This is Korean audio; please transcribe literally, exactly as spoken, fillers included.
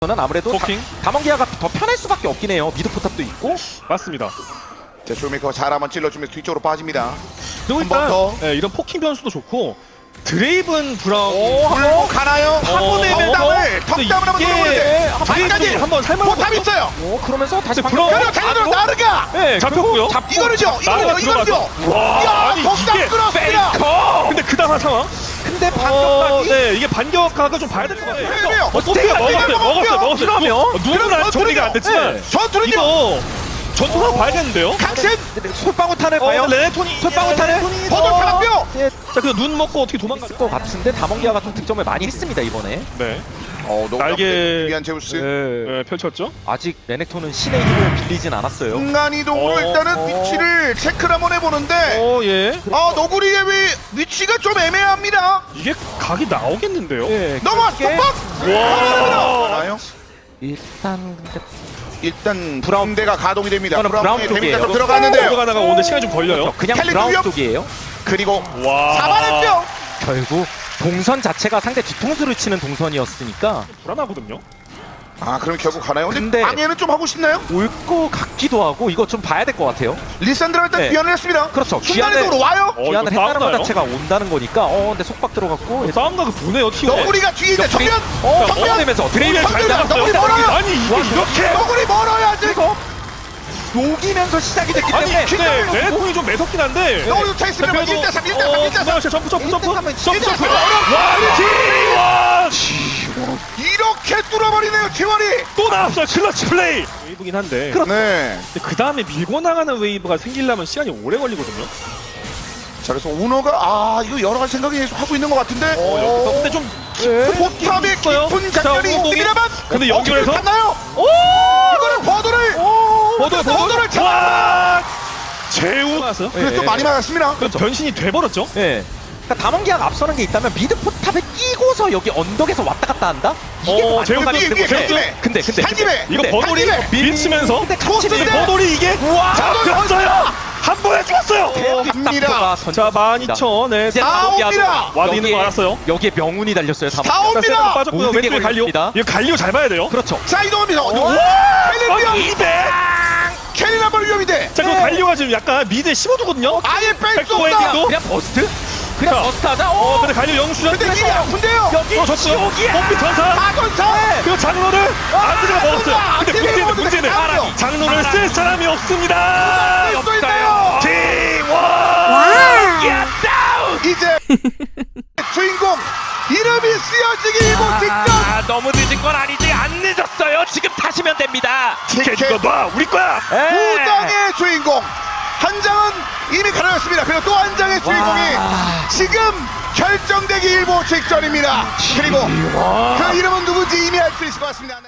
는 아무래도 포킹? 다mon기아가 더 편할 수밖에 없긴 해요. 미드 포탑도 있고. 맞습니다. 자, 쇼메이커 잘 한번 찔러주면서 뒤쪽으로 빠집니다. 그리고 한번 일단 더. 예, 이런 포킹 변수도 좋고 드레이븐 브라운 물고 가나요? 어, 한번 내면 땀을 턱땀을 한번 들어보는데 드레이븐이 한번 살만한 포탑 있어요. 오, 그러면서 다시 근데 방금 브라운- 그리고 자기들 나르가 네, 잡혔고요. 잡고 이거는요. 나르가 이거는요. 이거는요. 와, 야, 아니, 턱땀 이게 끌었습니다. 페이커! 근데 그 다음 상황? 근데 어, 반격각이 네, 이게 반격각을 좀 봐야 될 것 같아요. 왜요? 어, 포킹 먹었어요, 이거 먹었어요, 먹었어요. 이러면? 누- 누구는 그럼 아직 정리가 안 됐지만 네. 전투는요. 이거 전투하고 봐야겠는데요? 강신 솔방울탄을 어, 봐요. 레네톤이 솔방울탄을 버들 사랑뼈. 예, 자, 그래서 눈 먹고 어떻게 도망갔을 것 같은데 다mon기아가 좀 득점을 많이 했습니다 이번에. 네, 어, 날개 위한 제우스. 예. 네, 펼쳤죠. 아직 레넥톤은 신의 힘을 빌리진 않았어요. 순간 이동으로 어, 일단은 어. 위치를 체크를 한번 해보는데 어, 예. 아, 너구리의 위, 위치가 좀 애매합니다. 이게 각이 나오겠는데요? 예, 넘어왔어, 그게 빡! 와. 나요? 일단 근데 일단 브라운 브라운대가 가동이 됩니다. 이거는 브라운의 브라운 데미지가 좀 쪽이에요. 들어갔는데요. 들어가다가 오늘 시간이 좀 걸려요. 그냥 캘리 브라운 누구요? 쪽이에요. 그리고 와. 사바렌뼈. 결국 동선 자체가 상대 뒤통수를 치는 동선이었으니까 불안하거든요. 아, 그럼 결국 가나요? 근데, 근데- 방해는 좀 하고 싶나요? 올 거 같기도 하고 이거 좀 봐야 될 것 같아요. 리산드라 일단 네. 귀환을 했습니다. 그렇죠. 순간이동으로 와요. 어, 기한을 이거 했다는 것 싸움나요? 자체가 온다는 거니까 어 근데 속박 들어갔고 어, 싸움각을 보네요, 티오. 너구리가 뒤에 있는 옆구리- 정면. 어, 정면. 넘어내면서 드레이븐 잘 정면. 나갔어요. 너구리 멀어요. 아니, 이게 이렇게. 너구리 멀어야지. 그래서 녹이면서 시작이 됐기 아니, 때문에 근데 레네톤이 좀 매섭긴 한데. 너구리 차 있으면 그래도- 일 대 삼, 일 대 삼, 어, 일 대 삼. 그다음에 점프, 점프, 점프. 일 대 삼은 점프, 일 대 점프. 삼. 와, 티원. 이렇게 뚫어버리네요, 티원이. 또 나왔어요, 클러치 플레이. 웨이브긴 한데. 그렇죠. 네. 그 다음에 밀고 나가는 웨이브가 생기려면 시간이 오래 걸리거든요. 자, 그래서 우노가 아 이거 여러 가지 생각이 계속 하고 있는 것 같은데. 어, 근데 좀 포탑의 있어요. 깊은 자, 작전이 오공이. 있습니다만. 근데 연결해서? 갔나요? 오! 이거는 버드를. 버들, 버드를 잡아. 와! 제우. 나왔어요? 그래서 좀 예. 많이 맞았습니다. 그 변신이 돼버렸죠. 예. 그러니까 다mon기아가 앞서는 게 있다면 미드 포탑에 끼고서 여기 언덕에서 왔다 갔다 한다? 이게 어, 더 제우 안정감이 위에, 있는 위에, 거죠. 한 집에. 근데 근데 한 집에. 이거 근데 버돌이 한 집에. 밀치면서 근데 같이 포스인데. 밀고 버돌이 이게 잡혔어요. 한 번에 죽었어요. 갑니다. 자, 만 이천. 네. 이제 다 옵니다. 다몬기아도 와드 있는 거 여기에- 알았어요. 여기에 명운이 달렸어요. 다 다몬기아. 옵니다. 빠졌고요. 모든 게 왼쪽에 갈리오. 걸렸습니다. 이거 갈리오 잘 봐야 돼요. 그렇죠. 자, 이동합니다. 와! 캘리비아. 이백. 캐리 한번 위험인데. 자, 그 네. 갈리오가 지금 약간 미드에 씹어두거든요. 아예 뺄 수 백도어에 없다. 도 그냥 버스트? 그냥 자. 버스트 하자. 어, 어, 근데 갈리오 영수전. 근데 일이 아픈데요. 여기 어, 졌어요. 지옥이야. bom비 전사. 마건사. 그리고 장로를 안드가 먹었어요. 근데 안드가 문제는 문제는 먹었어요. 장로를 쓸 사람이 없습니다. 쓸수 있나요? 팀원. 이제 주인공 이름이 쓰여지기 일보 직전. 아, 너무 늦은 건 아니지. 안 늦었어요. 지금 타시면 됩니다. 티켓 티켓 이거 놔. 우리 거야. 예. 두 장의 주인공. 한 장은 이미 가려졌습니다. 그리고 또 한 장의 주인공이 지금 결정되기 일보 직전입니다. 그리고 그 이름은 누군지 이미 알 수 있을 것 같습니다.